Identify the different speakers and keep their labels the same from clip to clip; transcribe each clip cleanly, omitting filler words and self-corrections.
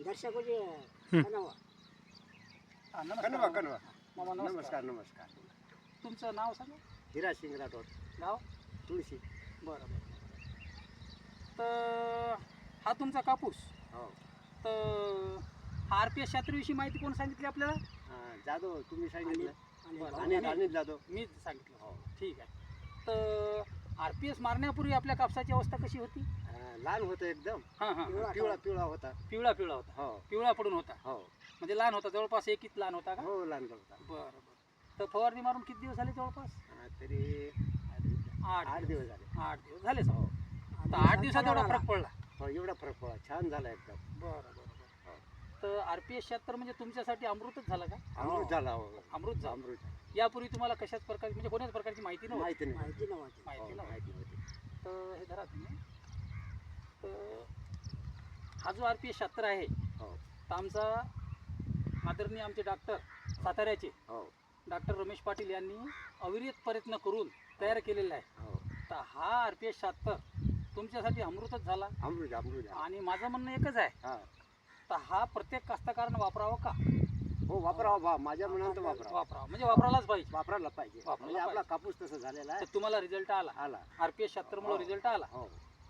Speaker 1: दर्शको जी कनवा.
Speaker 2: कनवा कनवा.
Speaker 3: मामा
Speaker 2: नमस्कार नमस्कार.
Speaker 3: तुमचं नाव सांगा.
Speaker 2: हिरा सिंग राठोड.
Speaker 3: गाव.
Speaker 2: तुळशी.
Speaker 3: बरं बरं. तर हा तुमचा कापूस.
Speaker 2: हो.
Speaker 3: तर हा RPS 76 विषयी माहिती कोण सांगितली आपल्याला?
Speaker 2: जाधव तुम्ही सांगितलं.
Speaker 3: आणि
Speaker 2: अनिल जाधव.
Speaker 3: मीच सांगितलं.
Speaker 2: हो.
Speaker 3: ठीक आहे. तर RPS मारण्यापूर्वी आपल्या कापसाची अवस्था कशी होती?
Speaker 2: लहान होतं एकदम.
Speaker 3: हां हां.
Speaker 2: पिवळा पिवळा होता.
Speaker 3: पिवळा पिवळा होता.
Speaker 2: हो
Speaker 3: पिवळा पडून होता.
Speaker 2: हो
Speaker 3: म्हणजे लहान होता, जवळपास एकीत लहान होता का?
Speaker 2: हो लहान होता.
Speaker 3: बरं बरं. तर फवारणी मारून किती दिवस झाले जवळपास?
Speaker 2: तरी 8 दिवस झाले.
Speaker 3: 8 दिवस झाले सर.
Speaker 2: हो
Speaker 3: तर 8 दिवसात एवढा फरक पडला.
Speaker 2: हो एवढा फरक पडला. छान झाला एकदम.
Speaker 3: बरं बरं बरं. तर RPS 76 म्हणजे तुमच्यासाठी अमृतच झालं का?
Speaker 2: अमृत झाला. हो
Speaker 3: अमृत झालं.
Speaker 2: अमृत झाला.
Speaker 3: यापूर्वी तुम्हाला कशाच प्रकारची म्हणजे कोणाच प्रकारची माहिती नव्हती?
Speaker 2: माहिती नाही.
Speaker 1: माहिती नव्हती.
Speaker 3: माहिती
Speaker 2: हो,
Speaker 3: नव्हती.
Speaker 2: माहिती होती.
Speaker 3: तर हे धरा तुम्ही. तर हा जो RPS 76 आहे,
Speaker 2: हो
Speaker 3: तर आमचा आदरणीय आमचे डॉक्टर साताऱ्याचे
Speaker 2: हो
Speaker 3: डॉक्टर रमेश पाटील यांनी अविरत प्रयत्न करून तयार केलेला आहे.
Speaker 2: हो
Speaker 3: तर हा RPS 76 तुमच्यासाठी अमृतच झाला.
Speaker 2: अमृत अमृत झाला.
Speaker 3: आणि माझं म्हणणं एकच आहे,
Speaker 2: हा
Speaker 3: तर हा प्रत्येक कास्तकारानं वापरावा का?
Speaker 2: हो वापरावा बा. माझ्या मनात वापरावा.
Speaker 3: वापरावा म्हणजे वापरायलाच पाहिजे.
Speaker 2: वापरायला पाहिजे.
Speaker 3: वापरायला
Speaker 2: म्हणजे आपला
Speaker 3: पाहिजे.
Speaker 2: कापूस तसा झालेला आहे.
Speaker 3: तर तुम्हाला रिझल्ट आला.
Speaker 2: आला.
Speaker 3: RPS 76 मुळे रिझल्ट आला.
Speaker 2: हो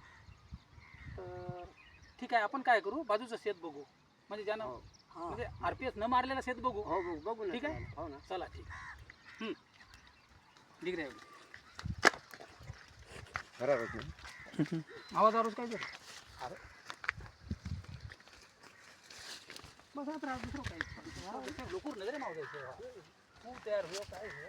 Speaker 3: तर ठीक आहे, आपण काय करू, बाजूचं शेत बघू. म्हणजे ज्यानं
Speaker 2: हो
Speaker 3: म्हणजे RPS न मारलेलं शेत बघू.
Speaker 2: हो बघू ना.
Speaker 3: ठीक आहे?
Speaker 2: हो ना.
Speaker 3: चला ठीक आहे. ठीक आहे.
Speaker 2: बरोबर.
Speaker 3: आवाज काय झालं? अरे बस आता राहा, दुसरं काय लोकूर नजरे माव द्यायचं. तू तयार हो काय हो.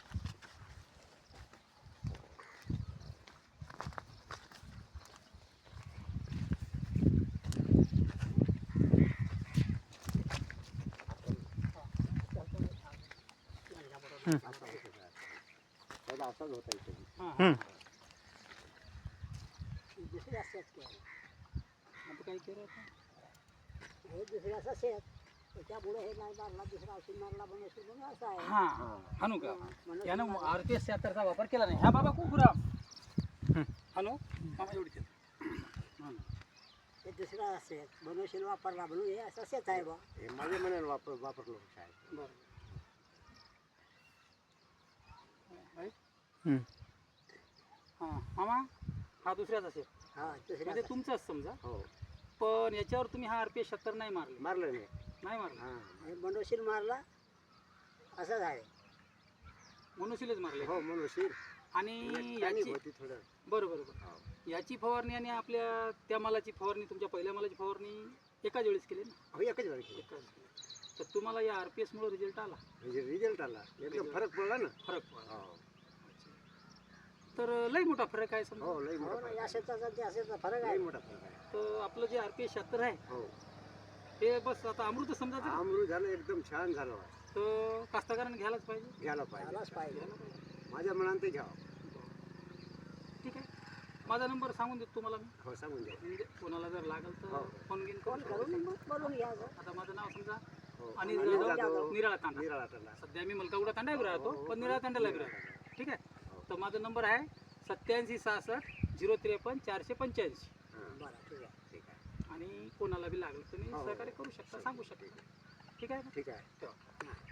Speaker 2: असाच होता इथे.
Speaker 3: हां
Speaker 1: दुसरी असतात की
Speaker 3: आता काय केलं आता?
Speaker 1: हे दुसरी असं शेत त्याच्यामुळे हे नाही मारला, दुसरा औषध मारला बनवशील म्हणून असं आहे.
Speaker 3: हां हानू का
Speaker 1: म्हणून
Speaker 3: यानं RPS 76चा वापर केला नाही. ह्या बाबा कुकुराम हानू मामा एवढी
Speaker 1: हे दुसरा शेत बनवशील वापरला म्हणून हे असं शेत आहे बा.
Speaker 2: हे माझ्या मनाला वापरलो साहेब.
Speaker 3: बरं. हां मामा हा दुसऱ्याच असेल
Speaker 1: हा दुसऱ्या
Speaker 3: म्हणजे तुमचाच समजा.
Speaker 2: हो
Speaker 3: पण याच्यावर तुम्ही हा RPS 76 नाही मारले.
Speaker 2: मारलं नाही.
Speaker 3: नाही मारला.
Speaker 2: हा
Speaker 1: हे बनवशील मारला असंच आहे.
Speaker 3: मनुष्यलेच मारले.
Speaker 2: हो म्हणून शिर
Speaker 3: आणि
Speaker 2: याची
Speaker 3: याची
Speaker 2: होती थोडं.
Speaker 3: बरोबर बरोबर.
Speaker 2: हो
Speaker 3: याची फवारणी आणि आपल्या त्या मालाची फवारणी, तुमच्या पहिल्या मालाची फवारणी एकाच वेळेस केली ना?
Speaker 2: हो एकच वेळ केलं.
Speaker 3: एकाच वेळेस. तर तुम्हाला या RPS मुळे रिझल्ट आला.
Speaker 2: म्हणजे रिझल्ट आला एकदम फरक पडला ना.
Speaker 3: फरक पडला.
Speaker 2: हो
Speaker 3: तर लई मोठा फरक आहे समजा.
Speaker 2: हो लई
Speaker 1: हो
Speaker 2: मोठा
Speaker 1: ना,
Speaker 2: फरक
Speaker 1: या
Speaker 2: आहे.
Speaker 1: शेताचा त्या शेताचा फरक
Speaker 2: लई
Speaker 1: आहे.
Speaker 2: मोठा फरक आहे.
Speaker 3: तर आपलं जे RPS 76 आहे
Speaker 2: हो
Speaker 3: हे बस आता अमृत समजायचं.
Speaker 2: अमृत झालं एकदम छान झालं.
Speaker 3: तर कास्तकाराने घ्यायलाच पाहिजे.
Speaker 2: घ्यायला पाहिजे.
Speaker 1: झालाच पाहिजे.
Speaker 3: घ्यायला पाहिजे.
Speaker 2: माझ्या मनात ते घ्यावं.
Speaker 3: ठीक आहे, माझा नंबर सांगून देतो तुम्हाला मी.
Speaker 2: हो सांगून द्या.
Speaker 3: म्हणजे कोणाला जर लागेल तर
Speaker 2: हो.
Speaker 3: फोन घेऊन
Speaker 1: फोन करून मग बोलून घ्यायचं.
Speaker 3: आता माझं नाव समजा
Speaker 2: हो
Speaker 3: अनिल
Speaker 2: अनिल
Speaker 3: जाधव,
Speaker 2: जाधव,
Speaker 3: निराळा तांडा.
Speaker 2: निराळा तांडा.
Speaker 3: सध्या मी मलकागुडा तांड्यावर राहतो, पण निराळा तांड्याला बी राहतो. ठीक आहे, तर माझा नंबर आहे 8766 053 485.
Speaker 1: बरं ठीक आहे.
Speaker 2: ठीक आहे.
Speaker 3: आणि कोणाला बी लागलं तुम्ही
Speaker 2: हो.
Speaker 3: सहकार्य करू शकता, सांगू शकता. ठीक आहे ना?
Speaker 2: ठीक आहे.
Speaker 3: ठेवा.